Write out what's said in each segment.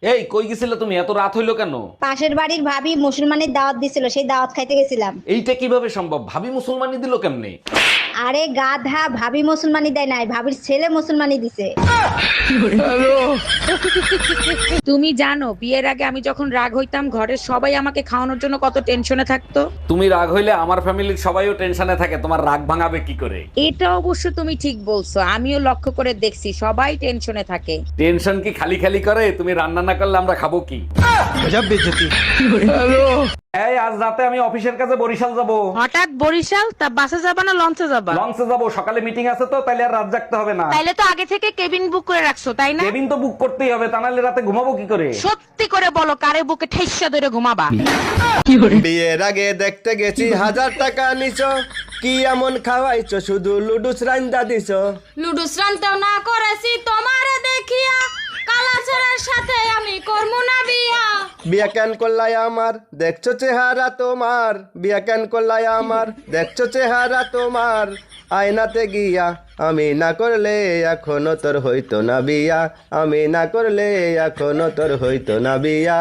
এই কই গেছিলে তুমি? এত রাত হইলো কেন? পাশের বাড়ির ভাবি মুসলমানের দাওয়াত দিছিল, সেই দাওয়াত খাইতে গেছিলাম। এইটা কিভাবে সম্ভব? ভাবি মুসলমানি দিল কেমনে? আরে গাধা, ভাবি মুসলমানি দেয় নাই, ভাবির ছেলে মুসলমানি দিছে। তুমি জানো বিয়ের আগে আমি যখন রাগ হইতাম ঘরের সবাই আমাকে খাওয়ানোর জন্য কত টেনশনে থাকতো। তুমি রাগ হইলে আমার ফ্যামিলির সবাইও টেনশনে থাকে, তোমার রাগ ভাঙাবে কি করে? এটা অবশ্য তুমি ঠিক বলছো, আমিও লক্ষ্য করে দেখছি সবাই টেনশনে থাকে। টেনশন কি খালি খালি করে? তুমি রান্না না করলে আমরা খাবো কি? এই আজ রাতে আমি অফিসের কাছে বরিশাল যাব। হঠাৎ বরিশাল? তা বাসে যাবা না লঞ্চে যাবা? লঞ্চে যাব, সকালে মিটিং আছে তো, তাইলে আর রাত জাগতে হবে না। তাইলে তো আগে থেকে কেবিন বুক করে রাখছো তাই না? কেবিন তো বুক করতেই হবে, তা নাহলে রাতে ঘুমাবো কি করে? সত্যি করে বলো কারে বুকে ঠেসা ধরে ঘুমাবা? বিয়ের আগে দেখতে গেছি 1000 টাকা নিছো, কি এমন খাওয়াইছো শুধু লুডুস রান্দা দিছো। লুডুস রানতেও না করেছি তোমারে দেখিয়া, কালাচরের সাথে আমি করমু না বিয়া। বিয়া কেন করলাই আমার, দেখছো চেহারা তোমার, বিয়া কেন করলাই আমার, দেখছো চেহারা তোমার। আয়নাতে গিয়া আমি না করলে এখনো তোর হইতো না বিয়া, আমি না করলে এখনো তোর হইতো না বিয়া।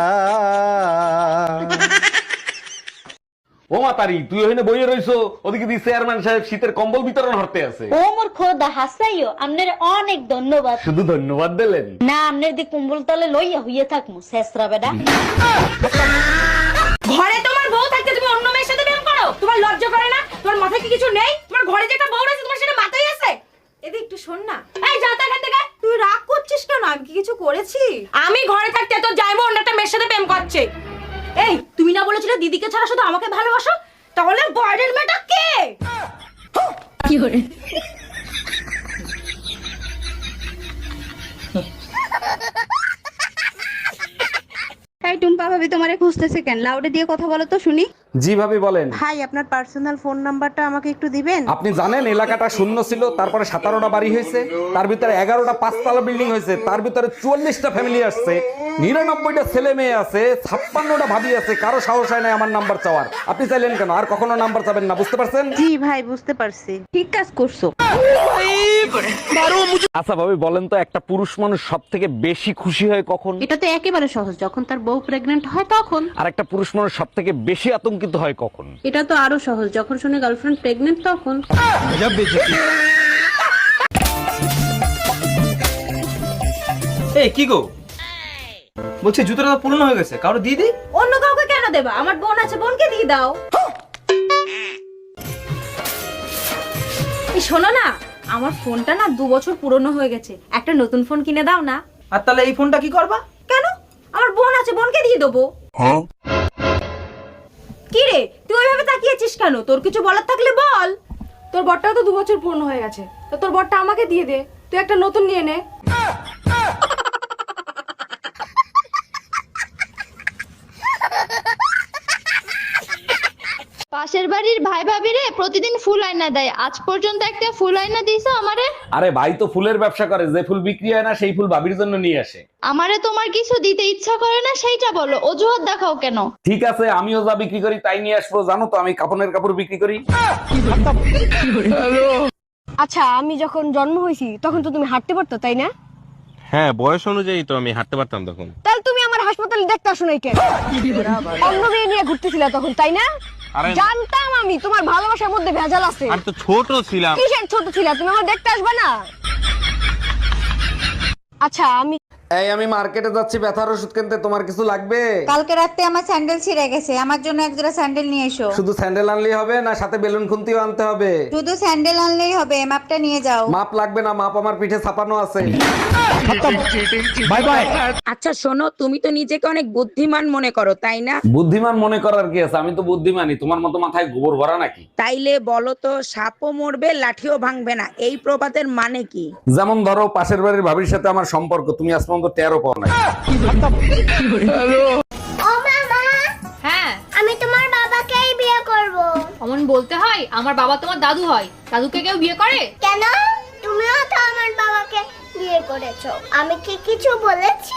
ও মাতারি, তুই ওখানে বইয়ে রইছো, ওদিকে দি চেয়ারম্যান সাহেব শীতের কম্বল বিতরণ হতে আছে। ও মোর খোদা হাসাইও, আপনার অনেক ধন্যবাদ। শুধু ধন্যবাদ দিলেন? না, আপনার দি কুম্বল তলে লইয়া হইয়া থাকমু শেষরা বেডা। ঘরে তোমার বউ থাকতে তুমি অন্য মেয়ের সাথে প্রেম করো? তোমার লজ্জা করে না? তোমার মাথায় কি কিছু নেই? তোমার ঘরে যে একটা বউ আছে তোমার সেটা মাথায় আছে? এদি একটু শোন না। এই যা তো এখান থেকে। তুই রাগ করছিস কেন? আমি কি কিছু করেছি? আমি ঘরে থাকতে তো যাইবো অন্য একটা মেয়ের সাথে প্রেম করছে। এই তুমি না বলেছিলে দিদিকে ছাড়া শুধু আমাকে ভালোবাসো? তাহলে বাইরের মেয়েটা কে? কি করে? এই টুম্পা ভাবি তোমারে খুঁজতেছে কেন? লাউডে দিয়ে কথা বলো তো শুনি। জি ভাবি বলেন। ভাই আপনার পার্সোনাল ফোন নাম্বারটা আমাকে একটু দিবেন? আপনি জানেন এলাকাটা শূন্য ছিল, তারপরে 17টা বাড়ি হয়েছে, তার ভিতরে 11টা 5তলা বিল্ডিং হয়েছে, তার ভিতরে 44টা ফ্যামিলি আসছে, 99টা ছেলে মেয়ে আছে, 56টা ভাবি আছে, কারো সাহস হয় না আমার নাম্বার চাওয়ার। আপনি চাইলেন কেন? আর কখনো নাম্বার চাবেন না, বুঝতে পারছেন? জি ভাই বুঝতে পারছি। ঠিক কাজ করছো। আচ্ছা ভাবি বলেন তো, একটা পুরুষ মানুষ সব থেকে বেশি খুশি হয় কখন? এটা তো একেবারে সহজ, যখন তার বউ প্রেগনেন্ট হয় তখন। আর একটা পুরুষ মানুষ সব থেকে বেশি আতঙ্কিত হয় কখন? এটা তো আরো সহজ, যখন শুনে গার্লফ্রেন্ড প্রেগনেন্ট তখন। এই কি গো, বলছি জুতোটা তো পুরনো হয়ে গেছে, কারো দিয়ে দিই। অন্য কাউকে কেন দেবা? আমার বোন আছে, বোনকে দিয়ে দাও। এই শোনো না, আমার ফোনটা না 2 বছর পুরনো হয়ে গেছে, একটা নতুন ফোন কিনে দাও না। আর তাহলে এই ফোনটা কি করবা? কেন? আমার বোন আছে, বোনকে দিয়ে দেবো। কি রে তুই ওইভাবে তাকিয়েছিস কেন? তোর কিছু বলার থাকলে বল। তোর বরটাও তো 2 বছর পুরনো হয়ে গেছে, তো তোর বরটা আমাকে দিয়ে দে, তুই একটা নতুন নিয়ে নে। পাশের বাড়ির ভাই ভাবিরে প্রতিদিন ফুল আয়না দেয়, আজ পর্যন্ত একটা ফুল আয়না দিয়েছো আমারে? আরে ভাই তো ফুলের ব্যবসা করে, যে ফুল বিক্রি হয় না সেই ফুল ভাবির জন্য নিয়ে আসে। আমারে তোমার কিছু দিতে ইচ্ছা করে না সেইটা বলো, অজুহাত দেখাও কেন? ঠিক আছে, আমিও যা বিক্রি করি তাই নিয়ে আসবো। জানো তো আমি কাপড়ের কাপড় বিক্রি করি। আচ্ছা, আমি যখন জন্ম হয়েছি তখন তো তুমি হাঁটতে পারতো তাই না? হ্যাঁ, বয়স অনুযায়ী তো আমি হাঁটতে পারতাম তখন। তাহলে তুমি আমার হাসপাতালে দেখতে আসো নাই কেন? অন্য মেয়ে নিয়ে ঘুরতেছিলে তখন তাই না? আরে জানতাম আমি তোমার ভালোবাসার মধ্যে ভেজাল আছে। আমি তো ছোট ছিলাম। কিসের ছোট ছিলা? তুমি আমার দেখতে আসবে না? আচ্ছা আমি এই আমি মার্কেটে যাচ্ছি ব্যথার ওষুধ কিনতে, তোমার কিছু লাগবে? কালকে রাতে আমার স্যান্ডেল ছিঁড়ে গেছে, আমার জন্য এক জোড়া স্যান্ডেল নিয়ে এসো। শুধু স্যান্ডেল আনলেই হবে না, সাথে বেলুন খুন্তিও আনতে হবে? শুধু স্যান্ডেল আনলেই হবে, মাপটা নিয়ে যাও। মাপ লাগবে না, মাপ আমার পিঠে ছাপানো আছে। Bye bye. আচ্ছা শোনো, তুমি তো নিজেকে অনেক বুদ্ধিমান মনে করো তাই না? বুদ্ধিমান মনে করার কি আছে? আমি তো বুদ্ধিমানই, তোমার মতো মাথায় গোবর ভরা নাকি? তাইলে বলো তো, সাপও মরবে লাঠিও ভাঙবে না, এই প্রবাদের মানে কি? যেমন ধরো পাশের বাড়ির ভাবির সাথে আমার সম্পর্ক, তুমি আজ পর্যন্ত টেরও পাও নাই। ও মামা, হ্যাঁ আমি তোমার বাবাকেই বিয়ে করব। অমন বলতে হয়? আমার বাবা তোমার দাদু হয়, দাদুকে কেউ বিয়ে করে? কেন? তুমিও তো আমার বাবাকে বিয়ে করেছো, আমি কি কিছু বলেছি?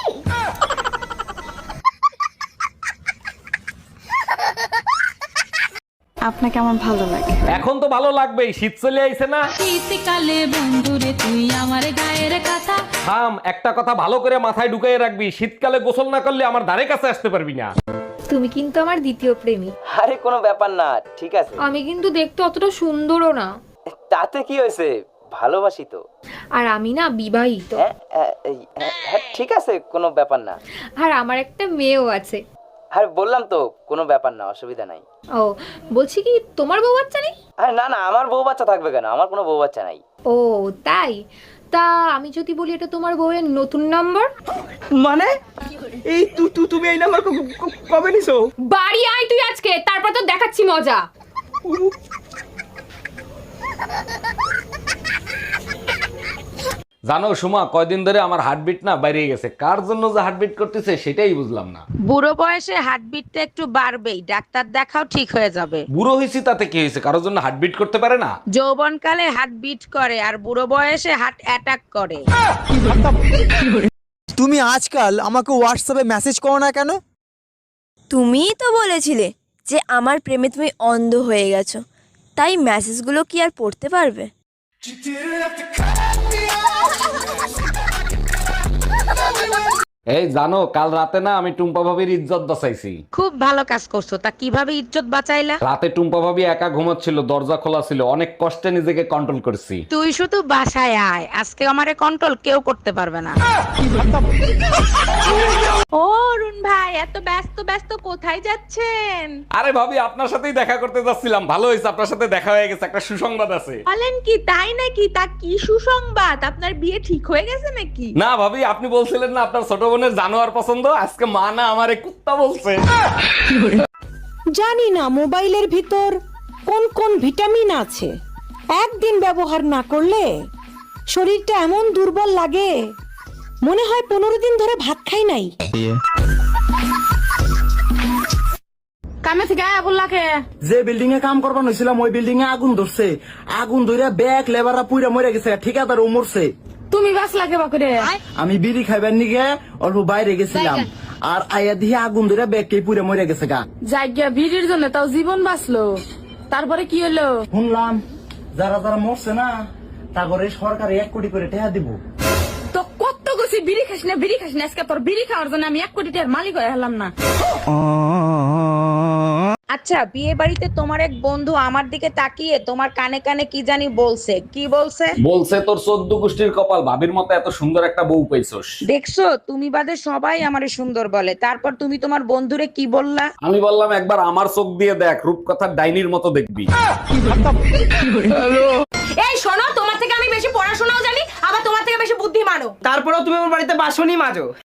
আপনি নাকি আমার ভালো লাগে? এখন তো ভালো লাগবেই, শীত চলে আইছে না। শীতকালে বন্ধুরে তুই আমার গায়ের কথা। থাম, একটা কথা ভালো করে মাথায় ঢুকাই রাখবি, শীতকালে গোসল না করলে আমার ধারে কাছে আসতে পারবি না। তুমি কিন্তু আমার দ্বিতীয় প্রেমী। আরে কোনো ব্যাপার না, ঠিক আছে। আমি কিন্তু দেখতে অতটা সুন্দরও না। তাতে কি হয়েছে, ভালোবাসি তো। আর আমি না বিবাহিত। ঠিক আছে, কোনো ব্যাপার না। আর আমার একটা মেয়েও আছে। আরে বললাম তো কোনো ব্যাপার না, অসুবিধা নাই। ও বলছি কি তোমার বউ বাচ্চা নেই? আরে না না, আমার বউ বাচ্চা থাকবে কেন, আমার কোনো বউ বাচ্চা নাই। ও তাই? তা আমি যদি বলি এটা তোমার বউয়ের নতুন নাম্বার? মানে এই তুমি এই নাম্বার কবে নিছো? বাড়ি আয় তুই আজকে, তারপর তো দেখাচ্ছি মজা। জানো সুমা, কয়দিন ধরে আমার হার্টবিট না বাইরে গেছে। কার জন্য যে হার্টবিট করতেছে সেটাই বুঝলাম না। বুড়ো বয়সে হার্টবিটটা একটু বাড়বেই, ডাক্তার দেখাও, ঠিক হয়ে যাবে। বুড়ো হয়েছি তাতে কি হয়েছে, কারোর জন্য হার্টবিট করতে পারে না? যৌবনকালে হার্টবিট করে আর বুড়ো বয়সে হার্ট অ্যাটাক করে। তুমি আজকাল আমাকে হোয়াটসঅ্যাপে মেসেজ করো না কেন? তুমিই তো বলেছিলে যে আমার প্রেমে তুমি অন্ধ হয়ে গেছো, তাই মেসেজগুলো কি আর পড়তে পারবে? এই জানো, কাল রাতে না আমি টুম্পা ভাবির ইজ্জত বাঁচাইছি। খুব ভালো কাজ করছো। তা কিভাবে ইজ্জত বাঁচাইলা? রাতে টুম্পা ভাবি একা ঘুমাচ্ছিল, দরজা খোলা ছিল, অনেক কষ্টে নিজেকে কন্ট্রোল করছি। তুই শুধু বাসায় আয়, আজকে আমারে কন্ট্রোল কেউ করতে পারবে না। ও অরুণ ভাই, এত ব্যস্ত ব্যস্ত কোথায় যাচ্ছেন? আরে ভাবি, আপনার সাথেই দেখা করতে যাচ্ছিলাম। ভালো হয়েছে, আপনার সাথে দেখা হয়ে গেছে। একটা সুসংবাদ আছে। বলেন কি, তাই নাকি? তা কি সুসংবাদ? আপনার বিয়ে ঠিক হয়ে গেছে নাকি? না ভাবি, আপনি বলছিলেন না আপনার ছোট বোনের জানোয়ার পছন্দ, আজকে মা না আমারে কুত্তা বলছে। জানি না মোবাইলের ভিতর কোন কোন ভিটামিন আছে, একদিন ব্যবহার না করলে শরীরটা এমন দুর্বল লাগে, মনে হয় 15 দিন ধরে ভাত খাই নাই। কামে থেকে আয়া বললাকে যে বিল্ডিং এ কাম করবার হয়েছিলাম ওই বিল্ডিং এ আগুন ধরছে, আগুন ধরে ব্যাগ লেবাররা পুইরা মরে গেছে, ঠিকাদার ও মরছে। তুমি বাস লাগে বাকুরে। আমি বিড়ি খাইবার নিগে অল্প বাইরে গেছিলাম, আর আয়া দিয়ে আগুন ধরে ব্যাগকে পুইরা মরে গেছে গা। জায়গা ভিড়ের জন্য তাও জীবন বাঁচলো, তারপরে কি হলো? শুনলাম যারা যারা মরছে না তারপরে সরকার 1 কোটি করে টাকা দিব। তো কত গেছি বিড়ি খাস না, বিড়ি খাস না, আজকে তোর বিড়ি খাওয়ার জন্য আমি 1 কোটি টাকার মালিক হয়ে হলাম না। আচ্ছা, বিয়ে বাড়িতে তোমার এক বন্ধু আমার দিকে তাকিয়ে তোমার কানে কানে কি জানি বলছে। কি বলছে? বলছে তোর 14 গোষ্ঠীর কপাল, ভাবির মতো এত সুন্দর একটা বউ পাইছস। দেখছো, তুমি বাদে সবাই আমারে সুন্দর বলে, তারপর তুমি তোমার বন্ধুরে কি বললা? আমি বললাম একবার আমার চোখ দিয়ে দেখ, রূপকথার ডাইনির মতো দেখবি। এই শোনো, তোমার থেকে আমি বেশি পড়াশোনাও জানি, আবার তোমার থেকে বেশি বুদ্ধিমানও। তারপরেও তুমি আমার বাড়িতে বাসনই মাজো।